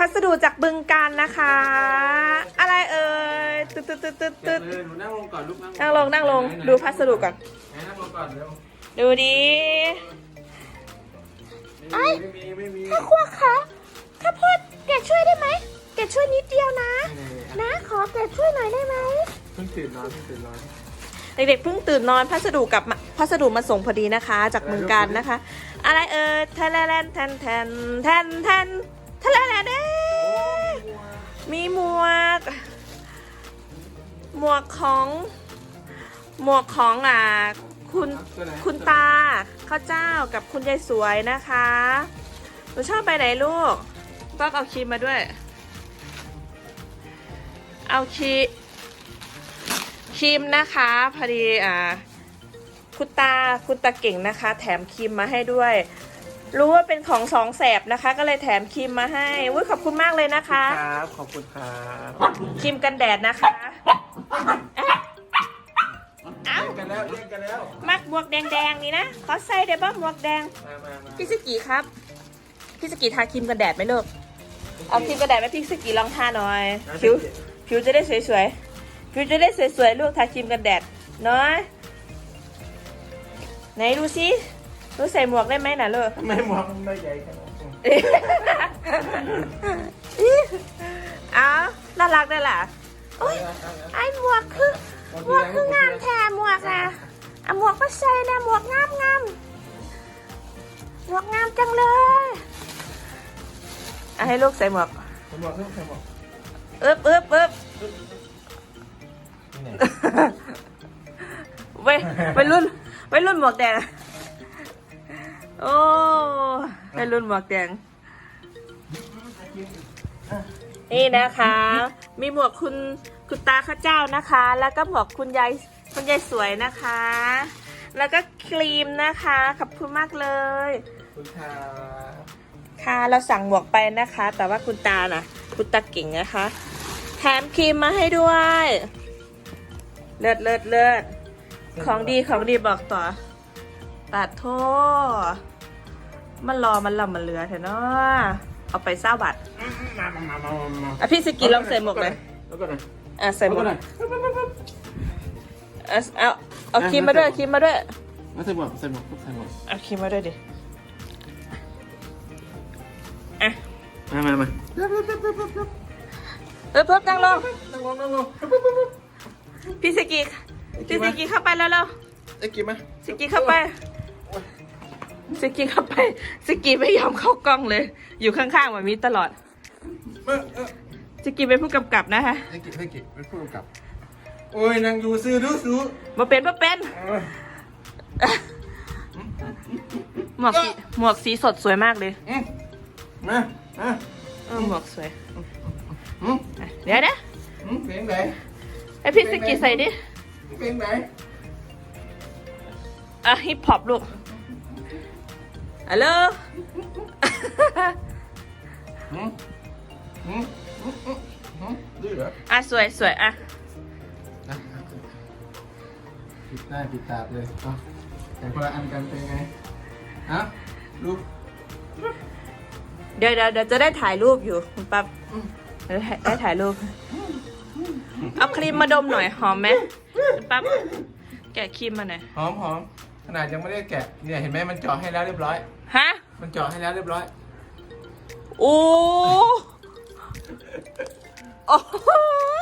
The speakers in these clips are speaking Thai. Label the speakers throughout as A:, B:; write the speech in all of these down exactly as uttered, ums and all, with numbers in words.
A: สดุจากบึงการนะคะ อะไรเอ่ยตึ๊ดตึ๊ดตึ๊ดตึ๊ดตึ๊ด
B: หนูนั่งลงก่อนลูก
A: นั่งลงนั่งลงดูพัสดุก่อน
B: นั่งลงก่อนเร็ว
A: ดูดิ
B: ไม่มีไม่มี
A: ข้าพวกคะข้าพวกแกช่วยได้ไหมแกช่วยนิดเดียวนะ นะขอแกช่วยหน่อยได้ไหม
B: เพิ่งตื่นนอนเพิ่งตื่นนอน
A: เด็กๆเพิ่งตื่นนอนพัสดุกับพัสดุมาส่งพอดีนะคะ จากเมืองการนะคะ อะไรเอ่ยแทนแทนแทนแทนแทนแทนแทนแทนเด้มีหมวก หมวกของหมวกของอ่าคุณคุณตาข้าวเจ้ากับคุณยายสวยนะคะหนูชอบไปไหนลูกก็เอาครีมมาด้วย เอาครีมครีมนะคะพอดีอ่าคุณตาคุณตาเก่งนะคะ แถมครีมมาให้ด้วย รู้ว่าเป็นของสองแสบนะคะ ก็เลยแถมครีมมาให้อุ้ยขอบคุณมากเลยนะคะ
B: ครับขอบคุณครับ
A: ครีมกันแดดนะคะเอ้า
B: เล่นกันแล้วเล่นกันแล้ว
A: มักหมวกแดงๆนี่นะขอใส่ได้บ้างหมวกแดง
B: มามามา
A: พี่สกีครับพี่สกีทาครีมกันแดดไหมลูกเอาครีมกันแดดไหมพี่สกีลองทาหน่อยผิวผิวจะได้สวยๆผิวจะได้สวยๆลูกทาครีมกันแดดน้อยไหนดูซิรู้ใส่หมวกได้ไหมน่ะลูก
B: ทำไมหมวกมันไม่ใหญ่ขนาดนี้
A: อ้าวน่ารักได้ล่ะโอ้ยไอ้หมวกคือหมวกคืองามแท้หมวกอ่ะเอาหมวกมาใส่นะหมวกงามงามหมวกงามจังเลยเอาให้ลูกใส่หมวก
B: ใส่หมวกใส่หมวก
A: อึ๊บอึ๊บอึ๊บ
B: นี่ไหน
A: ไว้ไว้รุ่นไว้รุ่นหมวกแดงโอ้ไว้รุ่นหมวกแดงนี่นะคะ มีหมวกคุณคุณตาข้าเจ้านะคะ แล้วก็หมวกคุณยายคุณยายสวยนะคะ แล้วก็ครีมนะคะขอบคุณมากเลย
B: คุณครับ
A: ค่ะเราสั่งหมวกไปนะคะ แต่ว่าคุณตาน่ะคุณตาเก่งนะคะแถมครีมมาให้ด้วยเลิศเลิศเลิศของดีของดีบอกต่อตัดโทษมันรอมันลำมันเหลือเถอะเนาะเอาไปเศร้าบัตร
B: มามามามามา
A: อ่ะพี่สกีลองใส่หมวกเลย
B: แล้วก็ไหน
A: อ่ะใส่หมวก
B: แล้วก็ไหน
A: อ่ะเอาเอาครีมมาด้วยครีมมาด้วย
B: มาใส่หมวกใส่หมวกใส่หมวก
A: เอาครีมมาด้วยดิอ่ะ
B: มามามา
A: เพิ่มเพิ่มนั่งลง
B: นั่งลงนั่งลง
A: พี่สกีพี่สกีเข้าไปแล้วแล้ว
B: ไอ้กิ๊บมา
A: สกีเข้าไปสกีเข้าไปสกีไม่ยอมเข้ากล้องเลย อยู่ข้างๆแบบนี้ตลอด
B: มาเออ
A: สกีเป็นผู้กำกับนะคะ
B: ไอ้กิ๊บไอ้กิ๊บเป็นผู้กำกับโอ้ยนางดูซื้อดูซื้อ
A: มาเป็นมาเป็นหมวกสีหมวกสีสดสวยมากเลย
B: อืมมามา
A: เออหมวกสวย
B: อืม
A: อ่ะเดี๋ยวนะ
B: อืมเพลงไหน
A: ให้พี่สกีใส่ดิ
B: เพลงไหน
A: อ่ะฮิปฮอปลูกฮัลโหล
B: อืมอืมอืมอืมอืมดื้อเหรอ
A: อ่ะสวยสวยอ่ะ
B: นะปิดหน้าปิดตาเลยเอาแต่คนละอันกันเป็นไงฮะลูก
A: เดี๋ยวเดี๋ยวเดี๋ยวจะได้ถ่ายรูปอยู่คุณปั๊บเดี๋ยวได้ได้ถ่ายรูป เอาครีมมาดมหน่อยหอมไหมคุณปั๊บแกะครีมมาหน่อย
B: หอมหอมขนาดยังไม่ได้แกะเนี่ยเห็นไหมมันเจาะให้แล้วเรียบร้อย
A: ฮะ
B: มันเจาะให้แล้วเรียบร้อย
A: โอ้โอ้โห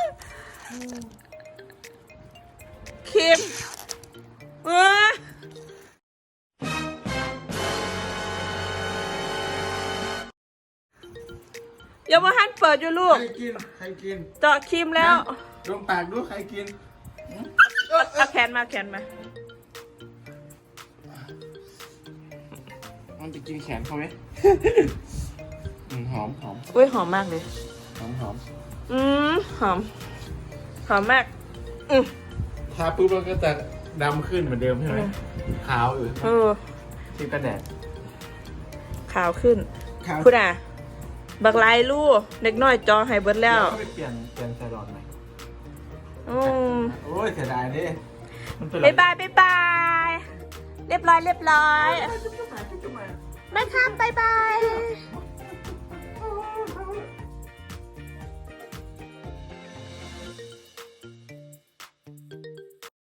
A: ครีมเอออย่ามาหันเปิดอยู่ลูก
B: ใครกินใครกิน
A: เจาะครีมแล้ว
B: ดมปากดูใครกิน
A: เอาแขนมาแขนมา
B: มันจะกินแขนเขาไหม อืมหอมหอม
A: อุ้ยหอมมากเลย
B: หอมหอม
A: อืมหอม หอมมาก อืม
B: ทาปุ๊บมันก็จะดำขึ้นเหมือนเดิมใช่ไหมขาวอยู่
A: เออ
B: ที่กระแดด
A: ขาวขึ้น
B: ขาว
A: คุณอ่ะ บักลายลู่เด็กน้อยจอให้เบิดแล้ว
B: ไปเปลี่ยนเปลี่ยนไซรอนใหม่
A: อืม
B: โอ้ยเสียดายดิมันเป็น
A: บ๊ายบายบ๊ายบาย เรียบร้อยเรียบร้อย
B: จุ๊บจุ๊บมาจุ๊บจุ๊บมา
A: แม่ครับบ๊ายบาย